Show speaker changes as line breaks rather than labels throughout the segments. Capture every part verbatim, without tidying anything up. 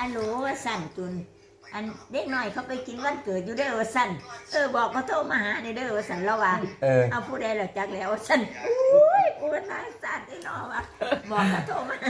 โหลว่าสั่นตุนอันเด็กหน่อยเขาไปกินวันเกิดอยู่เด้อว่าสั่นเออบอกเขาโทรมาหาในเด้อว่าสั่นแล้วว่า
เออ
เอาผู้ใดล่ะจักแล้วว่าสั่นอุ้ยกูเป็นนายสั่นได้หนอว่าบอกเขาโทรมา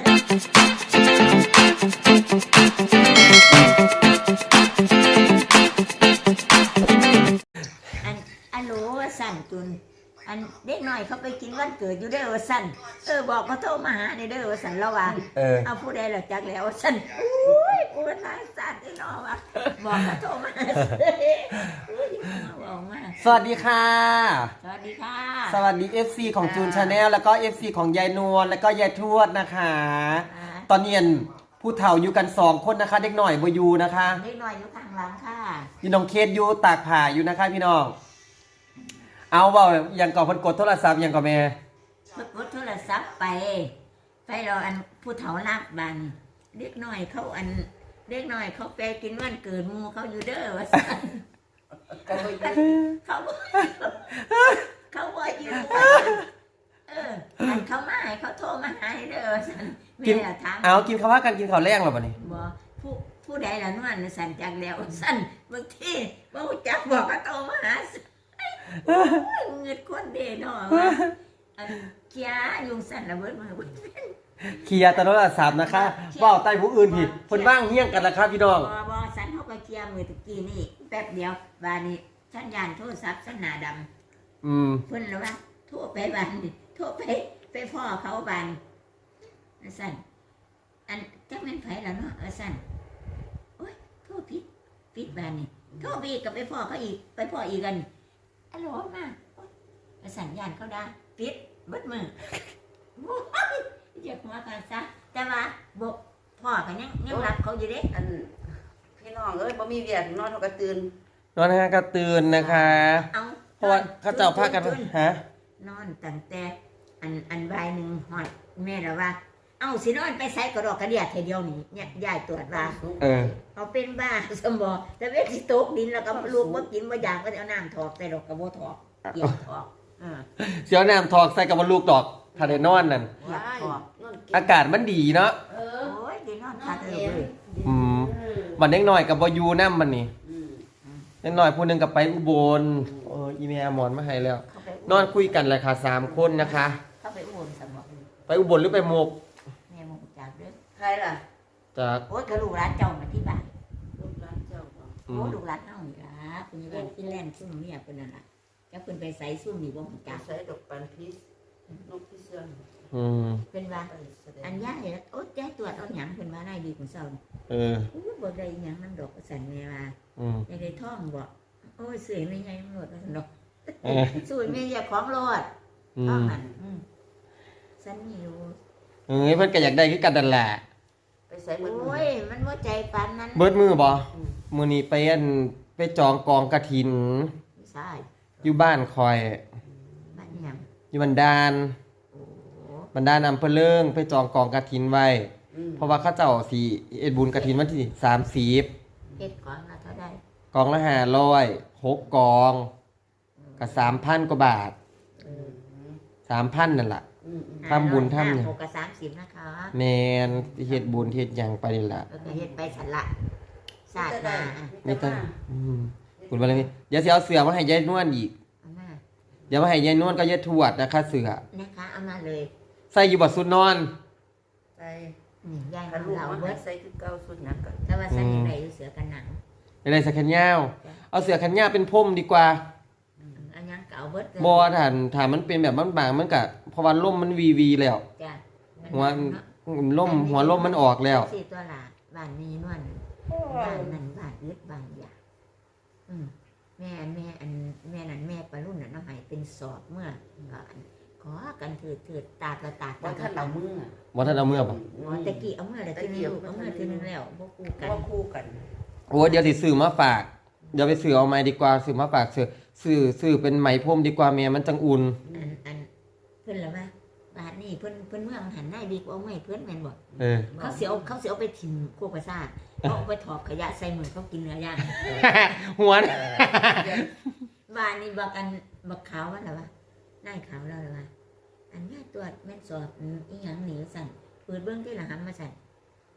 อันอะโหลว่าสั่นตุนอันเด็กหน่อยเขาไปกินวันเกิดอยู่เด้อว่าสั่นเออบอกเขาโทรมาหาในเด้อว่าสั่นแล้วว่า
เออ
เอาผู้ใดล่ะจักแล้วว่าสั่นอุ้ยกูเป็นนายสั่นได้หนอว่าบอกเขาโทรมาอุ้ยบอกมา
สวัสดีค่ะ
สวัสดีค่ะ
สวัสดี เอฟ ซี ของจูนชาแนลแล้วก็ เอฟ ซี ของยายนวลแล้วก็ยายทวดนะคะตอนนี้ผู้เฒ่าอยู่กันสองคนนะคะเด็กหน่อยบอยู่นะคะ
เด็กหน่อยอยู่ข้างหลังค่ะ
อยู่น้องเคสอยู่ตากผ้าอยู่นะคะพี่น้องเอาเว่าอย่างก่อนเพิ่นกดโทรศัพท์อย่างก่อนแม่
เพิ่นกดโทรศัพท์ไปไปรออันผู้เฒ่านับบันเด็กหน่อยเขาอันเด็กหน่อยเขาไปกินวันเกิดหมู่เขาอยู่เด้อว่าซั่นเขาเขาเขาบ่อยู่เอออันเขามาให้เขาโทรมาหาเด้อว่าซั่นแม่ถาม
เอากินข้าวกันกินข้าวแรงหรอบัดนี้
บ่ผู้ผู้ใดล่ะนวลสั่นจักแล้วสั่นบางทีบ่รู้จักบอกเขาโทรมาหาเงิดคนเด้เนาะอันเคียยุงสั่นระเบิดมาเบิด
เคลียร์ตโทรศัพท์นะคะเว้าใต้ผู้อื่นผิดเพิ่นว่างเฮี้ยงกันล่ะครับพี่น้อง
บ่บ่สั่นเฮาก็เคลียร์มื้อตะกี้นี่แป๊บเดียวบาดนี้สัญญาณโทรศัพท์สัญหน้าดำ
อืม
เพิ่นแล้วว่าโทรไปบ้านนี่โทรไปไปพ่อเขาบ้านสั่นอันจักแม่นไผล่ะเนาะเออสั่นโอ๊ยโทรผิดผิดบ้านนี่โทรไปอีกก็ไปพ่อเขาอีกไปพ่ออีกกันอะโหลมาสัญญาณเขาได้ปิดเบิดมืออยากมากันซะแต่ว่าบอกพ่อกันยังยังรักเขาอยู่เด้
อันพี่น้องเอ้ยบ่มีเวียกนอนเท่ากับตื่น
นอนฮะก็ตื่นนะคะเพราะว่าเขาเจ้าพากันฮะ
นอนตั้งแต่อันอันบ่ายหนึ่งหอดแม่แล้วว่าเอาสินอนไปใส่กระดอกกระเดียดทีเดียวนี่เนี่ยยายตรวจว่า
เออ
เขาเป็นบ้าสมองแต่เวทีตกดินแล้วก็ลูกว่ากินว่าอยากก็เอาน้ำถอกใส่ดอกกระโบถอกเกี่ยวถอก
เสียวน้ำถอกใส่กับลูกดอกถ้าได้นอนนั่นอากาศมันดีเนาะ
เออโอ้ยได้นอนคักเลย
อืมมันเด็กหน่อยกับบอยู่น้ำมันนี่เด็กหน่อยผู้นึงกับไปอุบลเอออีเมลหมอนมาให้แล้วนอนคุยกันเลยค่ะสามคนนะคะ
เขาไปอุบลสมอง
ไปอุบลหรือไปโมก
แม่โมกจากเด้อ
ใครล่ะ
จาก
โอ้ยกระลูกร้านเจ้ามาที่บ้าน
ลูกร้านเจ้า
โอ้ลูกร้านเฮานี่ล่ะคุณยังเป็นฟินแลนด์ซุ่มเมียเพิ่นนั่นล่ะจะเพิ่นไปใส่ซุ่มนี่บ่ฮู้จัก
ใส่ดอกปันพิษนกพิเศษ
อืม
เป็นว่าอันยายโอ๊ยยายตรวจเอาหยังเพิ่นว่าได้ดีของเซา
เออ
อู้บ่ได้หยังนำดอกสั่นแม่ว่า
อืม
ยายได้ท่องบ่โอ้ยสวยไม่ใหญ่หมดว่าซั่นดอกสวยแม่อยากของรอดท่องนั่นอืมสั่นมีอยู่
เอ้ยเพิ่นก็อยากได้คือกันนั่นแหละ
ไปใส่เบิดมือ
โอ้ยมันบ่ใจปานนั้น
เบิดมือบ่มื้อนี้ไปอันไปจองกองกฐิน
ใช่
อยู่บ้านคอย
บ้านหยัง
อยู่บันดาลบันดาลอำเภอเลิงไปจองกองกฐินไว้เพราะว่าเขาเจ้าสิเอ็ดบุญกฐินวันที่สามสิบ
เฮ็ดกองละเท่าใด
กองละห้าร้อยหกกองก็ สามพัน กว่าบาท สามพัน นั่นล่ะทำบุญทำหยัง
หกกับสามสิบนะคะ
แม่นเฮ็ดบุญเฮ็ดหยังไปนี่ล่ะ
เออเฮ็ดไปสั่นละสาดมา
ไม่ต้องอืมบุญบารมีเดี๋ยวสิเอาเสือมาให้ยายนวลอีกเดี๋ยวมาให้ยายนวลก็ยายทวดนะคะเสือ
นะคะเอามาเลย
ใส่อยู่บ่สุดนอน
ใส่
นี่ยาย
เราเบิดใส่คือเก่าสุดหยังก็
แต่ว่าใส่ยังไงเสือกันหนัง
อะไรใส่แขนยาวเอาเสือแขนยาวเป็นพรมดีกว่า
อันยังเก่าเบิด
บ่ถ้าถ้ามันเป็นแบบบางๆมันก็เพราะว่าลมมันวีวีแล้ว
จ้ะ
หัวลมหัวลมมันออกแล้ว
สิตัวล่ะบ้านนี้นวลบ้านนั้นบ้านยึดบ้านยาอืมแม่แม่อันแม่นั้นแม่ปรุ่นน่ะเนาะให้เป็นสอบเมื่อขอกันถือถือตาตาตา
บ่ทันเอามือ
บ่ทันเอามือบ่
อ๋อตะกี้เอามือแล้วทีนึงเอามือทีนึงแล้วบ่คู่กัน
บ่คู่กัน
โอ้เดี๋ยวสิซื้อมาฝากเดี๋ยวไปซื้อเอาไม้ดีกว่าซื้อมาฝากซื้อซื้อซื้อเป็นไหมพรมดีกว่าแม่มันจังอุ่น
อันอันเพิ่นล่ะว่าบาดนี้เพิ่นเพิ่นเมืองหันหน้าดีกว่าเอาไม้เพิ่นแม่นบ่
เออ
เขาสิเอาเขาสิเอาไปถิ่มโคกประสาทเขาเอาไปถอกขยะใส่มือเขากินเนื้อย่าง
หัว
บ้านนี้บอกกันบักขาวว่าล่ะว่านายขาวแล้วล่ะว่าอันนี้ตรวจแม่นสอบอีหยังหนีสั่นเปิดเบิ่งที่ละหำมาสั่น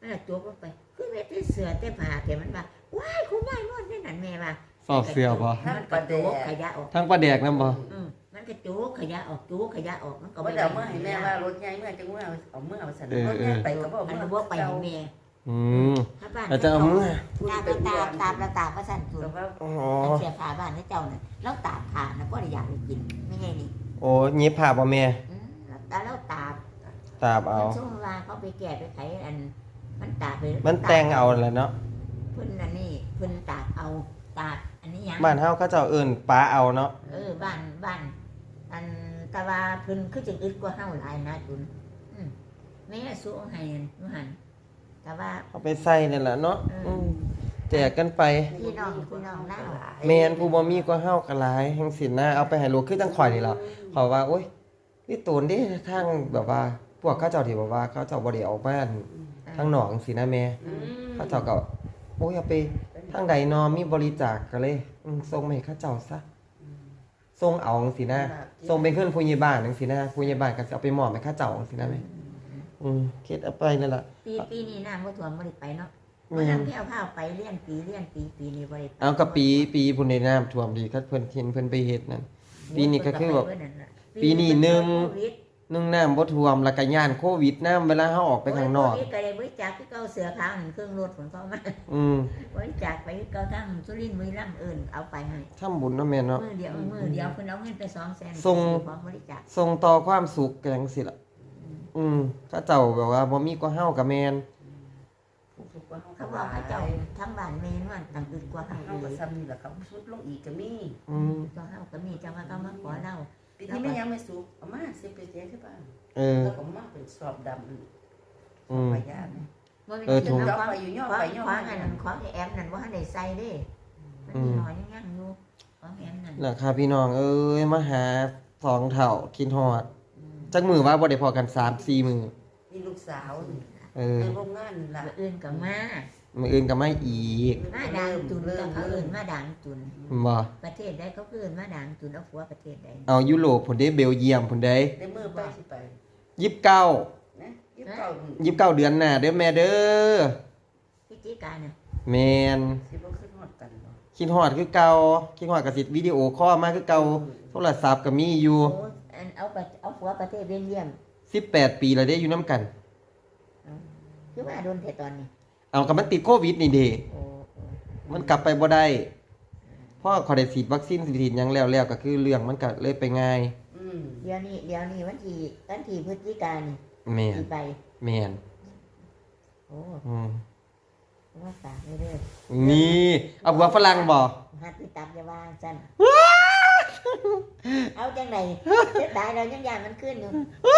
มันละจุกลงไปคือแม่ที่เสือแต่ผ้าแกมันว่าว้ายคุณยายนวดนี่นั่นแม่ว่า
สอบเสือบ่
มันกระจุกขยะออก
ทั้งปลาแดกนำบ่
อืมมันกระจุกขยะออกจุกขยะออกมันก็
ก็บ่ได้เอามื่อให้แม่ว่ารถใหญ่เมื่อจังว่าเอาเมื่อเอาสันรถใหญ่ไปก็บ่
มัน
เมื่อ
บ่ไปให้แม่
อืม
ถ้าบ้าน
แล้วจะเอามือ
ตาบตาตาบตาประสันสุด
ก็ว่า
อ๋อ
อันเสียผ้าบ้านให้เจ้าน่ะแล้วตากผ้านะบ่ได้อยากไปกินไม่ไงนี่
โอ้หยิบผ้าบ่แม่
อืมแล้วตาแล้วตาก
ตาบเอา
ช่วงเวลาเขาไปแก่ไปไขอัน มันตากไป
มันแต่งเอาแหละเนาะ
เพิ่นอันนี้เพิ่นตากเอาตากอันนี้ยัง
บ้านเฮาเขาเจ้าเอิ้นปลาเอาเนาะ
เออบ้านบ้าน อันแตะว่าเพิ่นคือจังอึดกว่าเฮาหลายนะจุนอืมแม่สู้ให้อันว่าหั่นแต่ว่า
เอาไปใส่นั่นแหละเนาะอืมแจกกันไป
พี่น้องพี่น้องเล่า
แม่นผู้บ่มีก็เฮาก็หลายแห่งสินนะเอาไปให้ลูกคือจังข่อยนี่ล่ะเขาว่าโอ๊ยนี่ตูนเด้ทางแบบว่า พวกเขาเจ้าที่แบบว่าเขาเจ้าบ่ได้ออกบ้านทางหนองสินะแม่เขาเจ้าก็โอ้ยเอาไปทางใดนอมีบริจาคก็เลยอืมส่งมาให้เขาเจ้าซะส่งเอาจังซี่นะส่งไปขึ้นผู้ใหญ่บ้านจังซี่นะผู้ใหญ่บ้านก็สิเอาไปมอบให้เขาเจ้าจังซี่นะแม่อืมเฮ็ดเอาไปนั่นล่ะ
ปีปีนี้น้ำบ่ท่วมบ่ได้ไปเนาะ
แม่
บ่
น
นำแพ้วพาวไปเลี้ยนปีเลี้ยนปีปีนี้บ่ได้ไป
เอาก็ปีปีพุ่นได้น้ำท่วมดีคัดเพิ่นเห็นเพิ่นไปเฮ็ดนั่น ปีนี้ก็คือแบบปีนี้หนึ่ง นึ่งน้ำบ่ท่วมแล้วก็ย่านโควิดน้ำเวลาเฮาออกไปข้างนอก
โยโควิดก็ได้บริจาคคือเก่าเสือขาวนั่นเครื่องรถของเขามา
อืม
บริจาคไปคือเก่าทั้งสุรินทร์บุรีรัมย์เอิ้นเอาไปให้
ทำบุญเนาะแม่เนาะ
มือเดียวมือเดียวเพิ่นเอาเงินไปสองแสน
ส่ง
ของบริจาค
ส่งต่อความสุขกันจังซี่ล่ะอืมเขาเจ้าแบบว่าบ่มีก็เฮากับแม่น
เขาบอกเขาเจ้าทั้งบ้านแม่นว่าต่างอึดกว่าเฮา
เฮาก็
อีก
ซ้ำนี่ล่ะเขาสุดลงอีกก็มี
อืม
ก็เฮาก็มีจังว่าเขามาขอเรา
ปีนี้แม่ยังไม่สุกเอามาสิไปเสียที่บ้าน
เออ
แล้วก็มาเป็นสอบดำ
อืม
ไปยาเนี่ย
บ่มี
เออถูก
ข
ย่อ
อง
ไปอยู่ย่อ
ของ
ไปย่อ
ของ
มา
อันนั้นของไอ้แอมนั่นบ่ทันได้ใส่เด้มันมีหน่อยยังๆอยู่ของแอมนั่น
ล่ะค่ะพี่น้องเอ้ยมาหาสองเฒ่าคิดฮอดจักมื้อว่าบ่ได้พอกัน สามสี่ มื้อ
นี่ลูกสาวนี่
เออ
ในโรงงานนี่ล่ะ
มื้ออื่นก็มา
มื้ออื่นก็มาอีก
มาด่างจุนก็เขาเอิ้นมาด่างจุน
บ่
ประเทศใดเขาคือเอิ้นมาด่างจุนเอาผัวประเทศใด
เอายุโรปพุ่นเด้เบลเยียมพุ่นเด้
ในมือไปสิไป
ยี่สิบเก้า
นะยี่สิบเก้า
ยี่สิบเก้าเดือนหน้าเด้อแม่เด้อ
พิจิกาน่ะ
แม่น
สิบ่ขึ้นฮอดกันบ่
คิดฮอดคือเก่าคิดฮอดก็สิวิดีโอคอลมาคือเก่าโทรศัพท์ก็มีอยู่
โอ้อันเอาไปเอาผัวประเทศเบลเยียม
สิบแปดปีแล้วเด้อยู่นํกัน
คือว่าโดนแต่ตอนนี้
เอาก็มันติดโควิดนี่เด้
โอ้โอ้
มันกลับไปบ่ได้เพราะเขาได้ฉีดวัคซีนฉีดหยังแล้วแล้วก็คือเรื่องมันก็เลยไปง่าย
อืม
เดี๋ยวนี้เดี๋ยวนี้วันที่วันที่พฤศจิกายนนี่
แม่น
สิไป
แม่น
โอ้
อืม
ว่าฝากไว้เด้อ
นี่เอาหัวฝรั่งบ่
หัดไปตับอย่าว่าซั่นเอาจังไดเสียดายเรายังยานมันขึ้นอยู่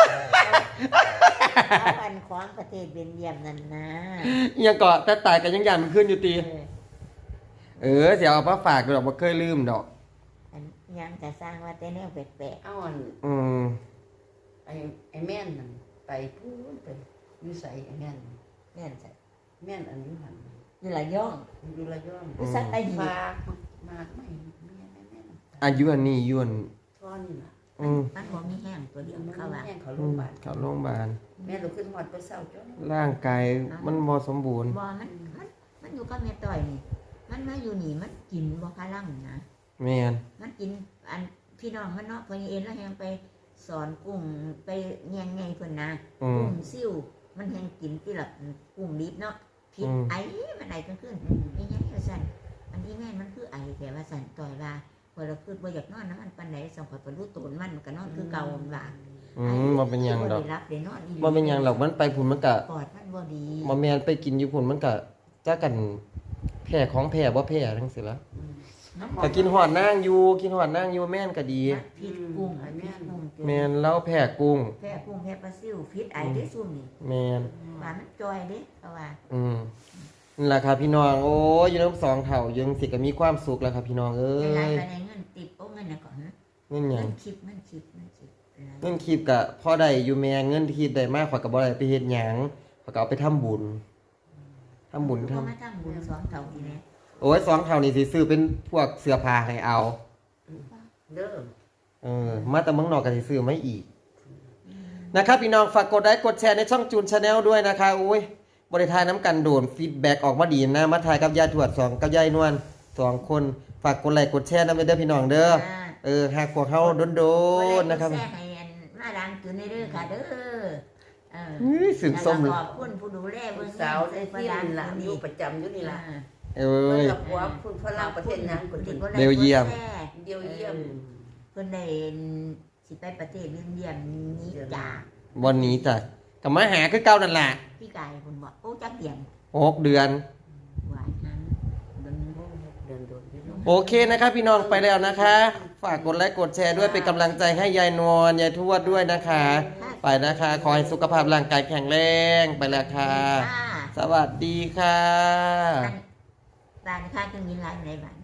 เอาเอาอันของประเทศเบลเยียมนั่นนะ
อิหยังก็แต่ตายก็ยังยานมันขึ้นอยู่ติ
เออ
เออสิเอามาฝากดอกบ่เคยลืมดอก
อันยังจะสร้างว่าแต่แนวแปลก
เอาอัน
อืม
ไอ้ไอ้แม่นนั่นไปพูนไปอยู่ไสไอ้แม่น
ๆแม่นใส่
แม่นอันนี้หัน
นี่ละย่อง
อยู่ระยอง
คือสัตว์ใต้หิน
ฝากมากไม่แม่แม่แม่
อายุอันนี้ยวน
ท่อนี่ล่ะ
อืม
มันบ่มีแห้งตัวเดียวเขาว่า
แม่เขาโร
อื
ง
ม
พยาบาล
เข้าโรงพยาบาล
แม่เราขึ้นฮอดไปเศร้าจ้ะ
ร่างกายมันบ่สมบูรณ์
บ่มันมันมันอยู่กับแม่ต้อยนี่ มันมาอยู่นี่มันกินบ่พลังนะ
แม่น
มันกินอันพี่น้องมันเนาะพอเอ็นแล้วแฮงไปสอนกุ้งไปแยงไงเพิ่นนะ
อืม
กุ้งซิ่วมันแฮงกินที่ละกุ้งดิบเนาะผิด
อืม
ไอ้มันไอกันขึ้นนี่ยังว่าซั่นอันนี้แม่นมันคือไอแต่ว่าซั่นต่อยว่าพอเราคือบ่อยากนอนน้ำมันปานใดส่งข่อยไปรู้ตูนมันมันก็นอนคือเก่ามันว่า
อืมบ่เป็นหยังดอก
บ่ได้รับได้นอนอีหลี
บ่เป็นหยังดอกมันไปพุ่นมันก็
ปอดมันบ่ดี
บ่แม่นไปกินอยู่พุ่นมันก็จักกันแพ้ของแพ้บ่แพ้จังซี่ล่ะ
น้
ก็กินฮอดนางอยู่กินฮอดนางอยู่แม่นก็ดี
มันพิษกุ้งไอ้แม่กุ้งเจอ
แม่นเล่าแพ้กุ้ง
แพ้กุ้งแพ้ปลาซิวพิษไอได้ซุ่มนี่
แม่น
ว่ามันจอยเด้เพราะว่า
อืมนั่นล่ะครับพี่น้องโอ้ยอยู่นำสองเฒ่ายังสิก็มีความสุขแล้วครับพี่น้องเอ้
เวลาย ไปในเงินติดโอ้เงินน่ะก่อนนะ
เงินหยั
เงิ
ง
นคลิปเงินคลิปเงินคลิปอะไร
เงินคลิปก็พอได้อยู่แม่เงินที่ได้มาข่อยก็บ่ได้ไปเฮ็ดหยังข่อยก็เอาไปทำบุญทำบุญทำ
เขามาทำบุญสองเท่าทีนี้
โอ้ยสองเท่านี่สิซื้อเป็นพวกเสื้อผ้าให้เอา
เด้อ
เออ มาแต่เมืองนอกก็สิซื้อไม่อีก นะครับพี่น้องฝากกดไลค์กดแชร์ในช่องจูนชาแนลด้วยนะคะอุ้ยบริทายน้ำกันโดนฟีดแบ็กออกมาดีนะมาทายกับยายถวดสองกับยายนวลสองคนฝากกดไลค์กดแชร์นะเด้อพี่น้องเด้อ
อ่า
เออหากพวกเฮาโดนๆนะครับ
แซ่ให้อันมาดังตัวนี้เด้อค่ะเด้อเออ
อื้อสึงส้ม
แล้
เล
วย ก็ขอบคุณผู้ดูแลเบิ่ง
สาวได้
ประ
ที่
ดัง
นี่ล่ะ
ตัว
อ
นี้
ยู่ประจำอยู่นี่ล่ะ
อ่า
เอ้
เพิ่น
ย
กับผัวคุณฝรั่งประเทศนั้นคน
ที่
ที่
กดไลค์
เบลเยียม
กดแชร์
เดียวเยี่ยม
เพิ่นได้สิไปประเทศเบลเยียมนี้จาก
วันนี้จ้ะก็มาหาคือเก่านั่นล่ะ
พี่กายเพิ่นบอกโอ้จักเดียน
หกเดือน
หวานนั้นเบิ่ง
เดินโดนพี่น้อง
โอเคนะครับพี่น้องไปแล้วนะคะ ฝากกดไลค์กดแชร์ด้วยเป็นกำลังใจให้ยายนวลยายทวดด้วยนะคะ ไปนะคะ ขอให้สุขภาพร่างกายแข็งแรงไปแล้วค่ะ
ค่ะ
สวัสดีค่ะ
บ้านบ้านค่าเครื่องบินหลายในบ้าน